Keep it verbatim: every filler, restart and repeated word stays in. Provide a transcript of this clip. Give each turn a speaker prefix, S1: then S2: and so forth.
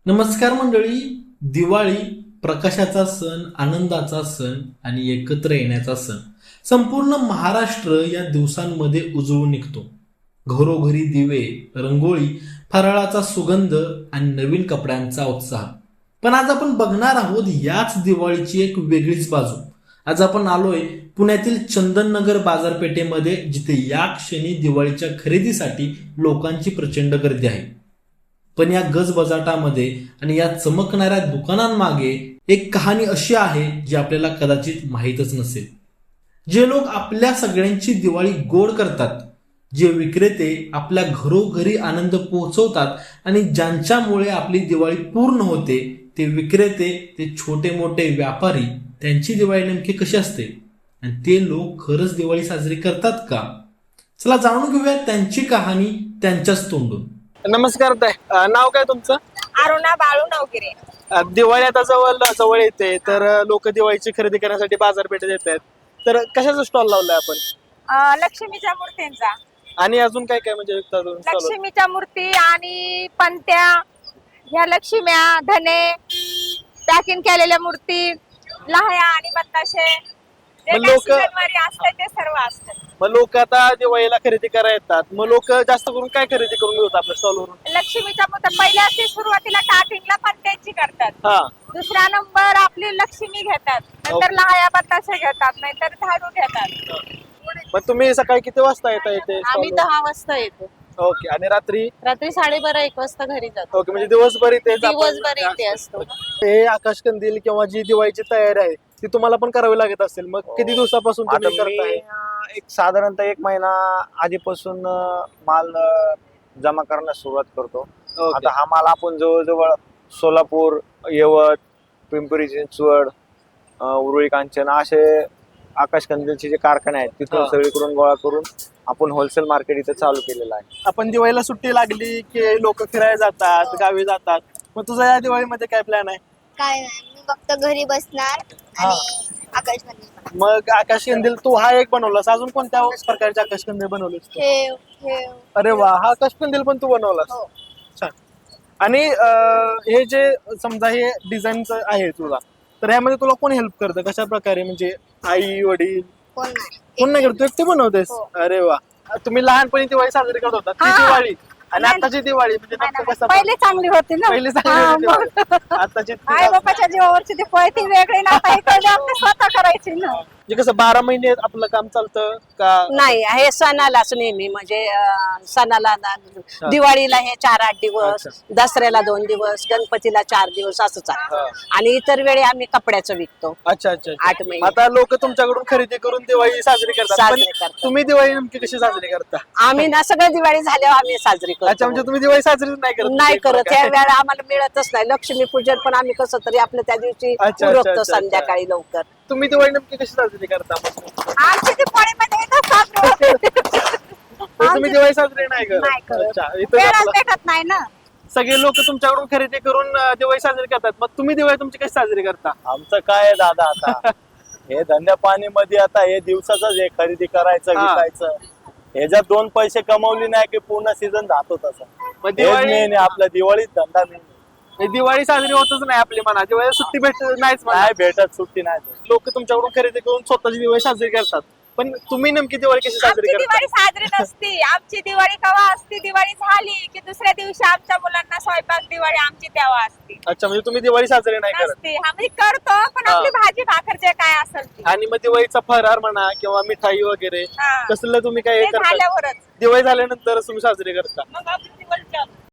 S1: नमस्कार मंडळी. दिवाळी प्रकाशाचा सण, आनंदाचा सण आणि एकत्र येण्याचा सण संपूर्ण महाराष्ट्र या दिवसांमध्ये उजळून निघतो. घरोघरी दिवे, रंगोळी, फराळाचा सुगंध आणि नवीन कपड्यांचा उत्साह. पण आज आपण बघणार आहोत याच दिवाळीची एक वेगळीच बाजू. आज आपण आलोय पुण्यातील चंदननगर बाजारपेठेमध्ये, जिथे या क्षणी दिवाळीच्या खरेदीसाठी लोकांची प्रचंड गर्दी आहे. पण या गजबजाटामध्ये आणि या चमकणाऱ्या दुकानांमागे एक कहाणी अशी आहे जी आपल्याला कदाचित माहीतच नसेल. जे लोक आपल्या सगळ्यांची दिवाळी गोड करतात, जे विक्रेते आपल्या घरोघरी आनंद पोहोचवतात आणि ज्यांच्यामुळे आपली दिवाळी पूर्ण होते, ते विक्रेते, ते छोटे मोठे व्यापारी, त्यांची दिवाळी नेमकी कशी असते आणि ते लोक खरंच दिवाळी साजरी करतात का? चला जाणून घेऊया त्यांची कहाणी त्यांच्याच तोंडून.
S2: नमस्कार ताई, अ, नाव काय तुमचं?
S3: अरुणा बाळू नवगिरे.
S2: अ, दिवाळी आता जवळ जवळ येते, तर लोक दिवाळीची खरेदी करण्यासाठी बाजारपेठेत येत आहेत. तर कशाचा स्टॉल लावलाय आपण?
S3: अं, लक्ष्मीच्या मूर्तींचा.
S2: आणि अजून काय काय म्हणजे विकता तुम्ही stall वर?
S3: लक्ष्मीच्या मूर्ती आणि पंत्या, ह्या लक्ष्म्या, धने, पॅकिंग केलेल्या मूर्ती, लहाया आणि बताशे, जे
S2: मग
S3: काही
S2: लोक-
S3: सीझनवारी असतं ते सर्व असतं.
S2: मग लोक आता दिवाळीला खरेदी करायला येतात, मग लोक जास्त करून काय खरेदी करून घेतात आपल्या स्टॉल वरून?
S3: लक्ष्मीच्या मूर्ती पहिल्या ते सुरुवातीला स्टार्टिंगला पंत्यांची करतात.
S2: हा,
S3: दुसरा नंबर आपली लक्ष्मी घेतात, नंतर
S2: ओके.
S3: लहाया बताशे घेतात, नाहीतर झाडू घेतात.
S2: मग तुम्ही सकाळी किती वाजता येता इथे
S4: आम्ही
S2: stall वर?
S4: दहा वाजता येतो.
S2: ओके. आणि रात्री?
S4: रात्री साडेबारा एक वाजता घरी जातो.
S2: ओके, म्हणजे दिवसभर इथे
S4: दिवसभर इथे असतो.
S2: हे आकाश कंदील किंवा जी दिवाळीची तयारी आहे ती तुम्हाला पण करावी लागत असेल. मग किती दिवसापासून
S5: आता
S2: तुम्ही
S5: मी
S2: करताय?
S5: अं, एक साधारणतः एक महिना आधीपासून अं, माल अं, जमा करण्यास सुरुवात करतो.
S2: ओके.
S5: आता हा माल आपण जवळजवळ सोलापूर, यवत, पिंपरी चिंचवड, अं, उरुळी कांचन असे आकाश कंदीलचे जे कारखाने आहेत तिथून
S2: हा.
S5: सगळीकडून गोळा करून आपण होलसेल मार्केट इथे चालू केलेलं आहे.
S2: आपण दिवाळीला सुट्टी लागली की लोक फिरायला जातात, गावी जातात. मग तुझा या दिवाळीमध्ये काय प्लॅन आहे?
S6: काय नाही, मी फक्त घरी बसणार आणि आकाश कंदील बनवणार.
S2: मग आकाश कंदील तू हा एक बनवलास, अजून कोणत्या प्रकारचे आकाश कंदील बनवलेस तू?
S6: ठेव ठेव
S2: अरे वा, हा आकाश कंदील पण तू बनवलास?
S6: हो.
S2: छान. आणि अं, हे जे समजा हे डिझाईनच आहे तुला, तर ह्यामध्ये तुला कोण हेल्प करतं? कशा प्रकारे, म्हणजे आई, वडील
S6: कोण नाही
S2: कोण नाही करत? तू एकटी बनवतेस?
S6: हो.
S2: अरे वा. तुम्ही लहानपणी दिवाळी साजरी करत होता, ती
S3: हा.
S2: दिवाळी आणि
S3: नाही.
S2: आताची दिवाळी म्हणजे नेमकं कसं?
S3: पहिली चांगली होती ना.
S2: पहिली चांगली
S3: हा,
S2: होती
S3: मग.
S2: दिवाळी. आताची ती
S3: आई बापाच्या जीवावरची ती फळ ती वेगळी ना, आता इकडे आपली स्वतः करायची ना.
S2: म्हणजे कसं बारा महिने आपलं काम चालतं का?
S4: नाही, हे सणालाच नेहमी म्हणजे अं, सणाला ना- दिवाळीला हे चार आठ दिवस,
S2: अच्छा.
S4: दसऱ्याला दोन दिवस, गणपतीला चार दिवस असं चालतं. आणि इतर वेळी आम्ही कपड्याचं विकतो.
S2: अच्छा अच्छा अच्छा.
S4: आठ महिने
S2: आता लोक तुमच्याकडून खरेदी करून दिवाळी साजरी करतात, पण
S4: साजरी करतात.
S2: तुम्ही दिवाळी नेमकी कशी साजरी करता?
S4: आम्ही ना सगळं दिवाळी झाल्यावर आम्ही साजरी
S2: अच्छा,
S4: करतो.
S2: म्हणजे तुम्ही दिवाळी साजरी नाही करत?
S4: नाही करत,
S2: काय?
S4: या वेळा आम्हाला मिळतच नाही. लक्ष्मी पूजन पण आम्ही कसं तरी आपलं त्या दिवशी
S2: अच्छा,
S4: उरकतो
S2: अच्छा, अच्छा.
S4: संध्याकाळी लवकर.
S2: तुम्ही दिवाळी नेमकी कशी साजरी करता मग?
S3: आमची ती फळीमध्ये येतं साजरी होते.
S2: तर तुम्ही दिवाळी साजरी नाही
S3: नाही
S2: करत?
S3: करत.
S2: अच्छा. इथं
S3: वेळच
S2: आपलं-
S3: भेटत नाही ना.
S2: सगळे लोक तुमच्याकडून खरेदी करून अं, दिवाळी साजरी करतात, मग तुम्ही दिवाळी तुमची कशी साजरी करता?
S5: आमचं काय आहे दादा आता हे धंद्या पाणी मध्ये आता हे दिवसाच हे खरेदी करायचं,
S2: हा.
S5: विकायचं. हे जर दोन पैसे कमवली नाही की पूर्ण सीझन जातो तसं.
S2: मग
S5: हेच
S2: दिवाळी
S5: मेन आहे आपला, दिवाळीत धंदा मेन.
S2: हे दिवाळी साजरी होतच नाही आपली म्हणा, दिवाळी सुट्टी भेट नाहीच म्हणा.
S5: नाही भेटत, सुट्टी नाही भेटत.
S2: लोक तुमच्याकडून खरेदी करून स्वतःची दिवाळी साजरी करतात, पण तुम्ही नेमकी दिवाळी कशी साजरी
S3: आमची
S2: करता?
S3: दिवाळी साजरी नसती. आमची दिवाळी केव्हा असती? दिवाळी झाली की दुसऱ्या दिवशी आमच्या मुलांना स्वयंपाक दिवाळी आमची तेव्हा असती.
S2: अच्छा, म्हणजे तुम्ही दिवाळी साजरी नाही करत.
S3: नसती. आम्ही करतो, पण
S2: हा.
S3: आपली भाजी भाकर जे काय असेल ती.
S2: आणि मग दिवाळीचा फरार म्हणा किंवा मिठाई वगैरे
S3: हा.
S2: कसलं तुम्ही काय
S3: ते
S2: करता?
S3: झाल्यावरच
S2: दिवाळी झाल्यानंतर तुम्ही साजरी करता?
S3: मग आपली दिवाळी चालू.